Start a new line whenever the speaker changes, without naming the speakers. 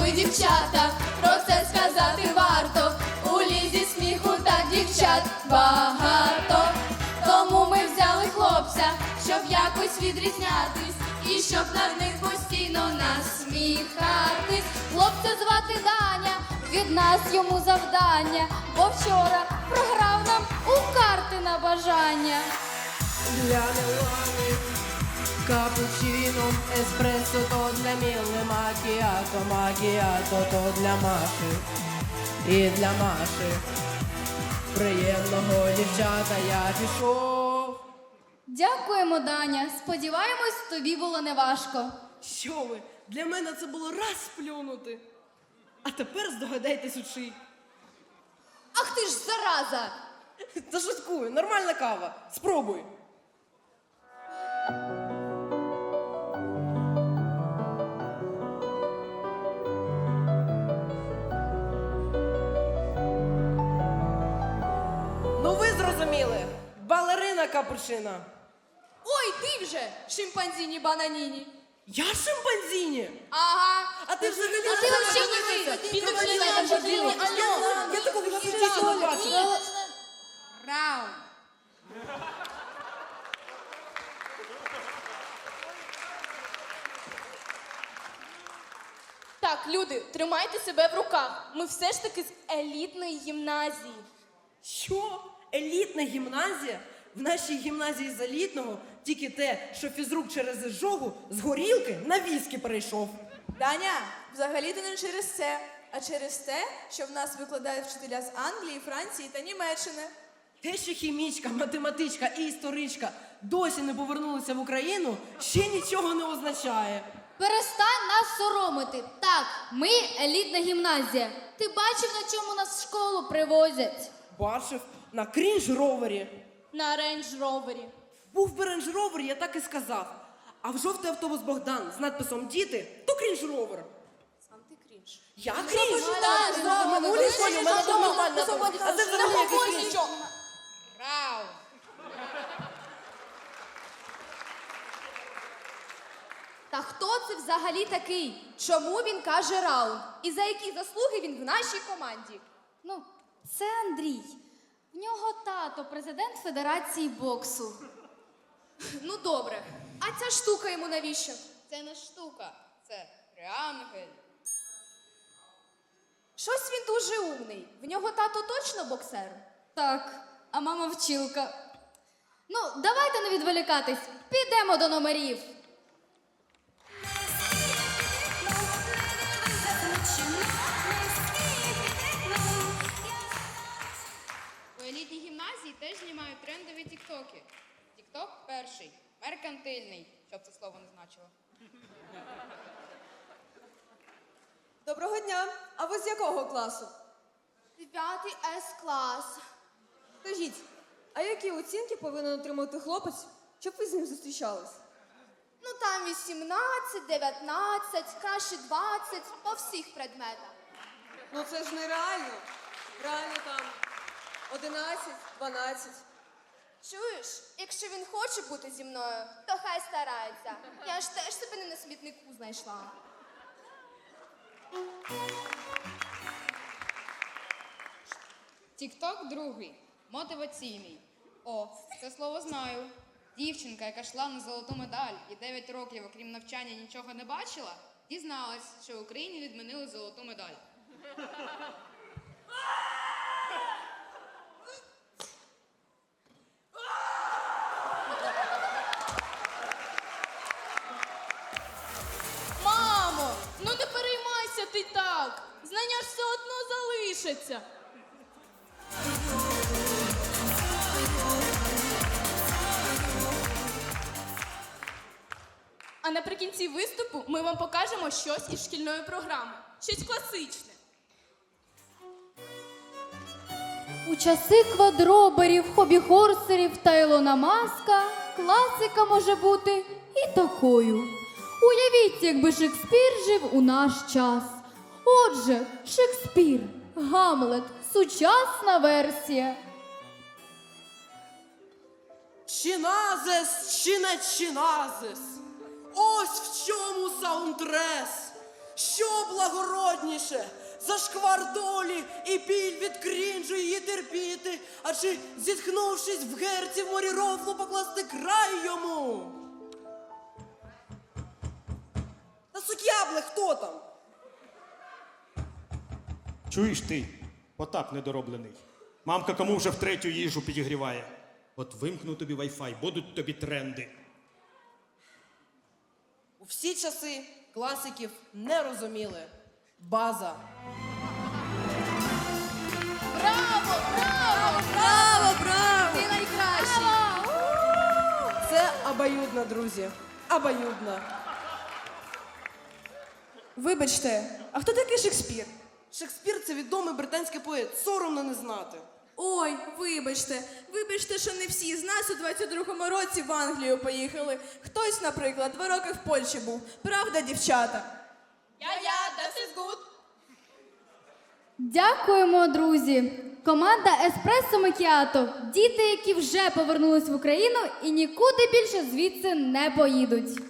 ми дівчата, про це сказати варто. У лізі сміху так дівчат багато. Тому ми взяли хлопця, щоб якось відрізнятись, і щоб над них постійно насміхатись. Хлопця звати Даня, від нас йому завдання, бо вчора програв нам у карти на бажання.
Для Мілани капучино, еспресо то для Міли, макіато то для Маші. І для Маші. Приємного, дівчата, я пішов.
Дякуємо, Даня. Сподіваємось, тобі було неважко.
Що ви? Для мене це було раз плюнути. А тепер здогадайтесь у чий.
Ах ти ж зараза!
Та шуткую, нормальна кава. Спробуй. Ну ви зрозуміли. Балерина капучина.
Ой, ти вже, шимпанзіні бананіні.
Я шимпанзіні?
Ага.
А ти взагалі
А ти вообще не ви. Він тут членом поділив. Алло.
Я такого ще не бачила.
Раунд. Так, люди, тримайте себе в руках. Ми все ж таки з елітної гімназії.
Що? Елітна гімназія? В нашій гімназії з елітного тільки те, що фізрук через изжогу з горілки на віскі перейшов.
Даня, взагалі-то не через це, а через те, що в нас викладають вчителя з Англії, Франції та Німеччини.
Те, що хімічка, математичка і історичка досі не повернулися в Україну, ще нічого не означає.
Перестань нас соромити. Так, ми елітна гімназія. Ти бачив, на чому нас в школу привозять?
Бачив на крінж-ровері.
На рейндж-ровері.
Був би рейндж-ровер, я так і сказав. А в жовтий автобус Богдан з надписом «Діти» – то крінж-ровер.
Сам ти крінж.
Я крінж?
Так,
В минулій школі у мене був нормальний автобус. А це взагалі якийсь крінж.
Раунд. Та хто це взагалі такий? Чому він каже раунд? І за які заслуги він в нашій команді? Ну, це Андрій. В нього тато президент Федерації боксу. Ну, добре. А ця штука йому навіщо?
Це не штука, це реангель.
Щось він дуже умний. В нього тато точно боксер? Так, а мама вчилка. Ну, давайте не відволікатись. Підемо до номерів.
У елітній гімназії теж знімають трендові тіктоки. Тікток перший, меркантильний, щоб це слово не значило.
Доброго дня. А ви з якого класу?
9 С-клас.
Скажіть, а які оцінки повинен отримати хлопець, щоб ви з ним зустрічались?
Ну, там 18, 19, краще 20, по всіх предметах.
Ну це ж нереально. Реально там 11, 12.
Чуєш, якщо він хоче бути зі мною, то хай старається. Я ж теж себе не на смітнику знайшла.
Тікток другий, мотиваційний. О, це слово знаю. Дівчинка, яка йшла на золоту медаль і 9 років, окрім навчання, нічого не бачила, дізналась, що в Україні відмінили золоту медаль.
Мамо, ну не переймайся ти так. Знання ж все одно залишаться. А наприкінці виступу ми вам покажемо щось із шкільної програми. Щось класичне. У часи квадроберів, хобі-хорсерів та Ілона Маска класика може бути і такою. Уявіть, якби Шекспір жив у наш час. Отже, Шекспір, Гамлет, сучасна версія.
Чиназес чи не чиназес? Ось в чому саундтрес. Що благородніше? Зашквар долі і біль від крінжу її терпіти, а чи, зітхнувшись в герці в морі рофлу, покласти край йому? Та сук'ябле, хто там?
Чуєш ти, Потап недороблений. Мамка кому вже втретю їжу підігріває. От вимкну тобі вайфай, будуть тобі тренди.
У всі часи класиків не розуміли. База.
Браво! Браво!
Браво, браво!
Ти найкращий!
Це обоюдно, друзі. Обоюдно.
Вибачте, а хто такий Шекспір?
Шекспір – це відомий британський поет. Соромно не знати.
Ой, вибачте, що не всі з нас у 22-му році в Англію поїхали. Хтось, наприклад, 2 роки в Польщі був. Правда, дівчата?
That is good!
Дякуємо, друзі! Команда Еспресо Макіато. Діти, які вже повернулись в Україну і нікуди більше звідси не поїдуть.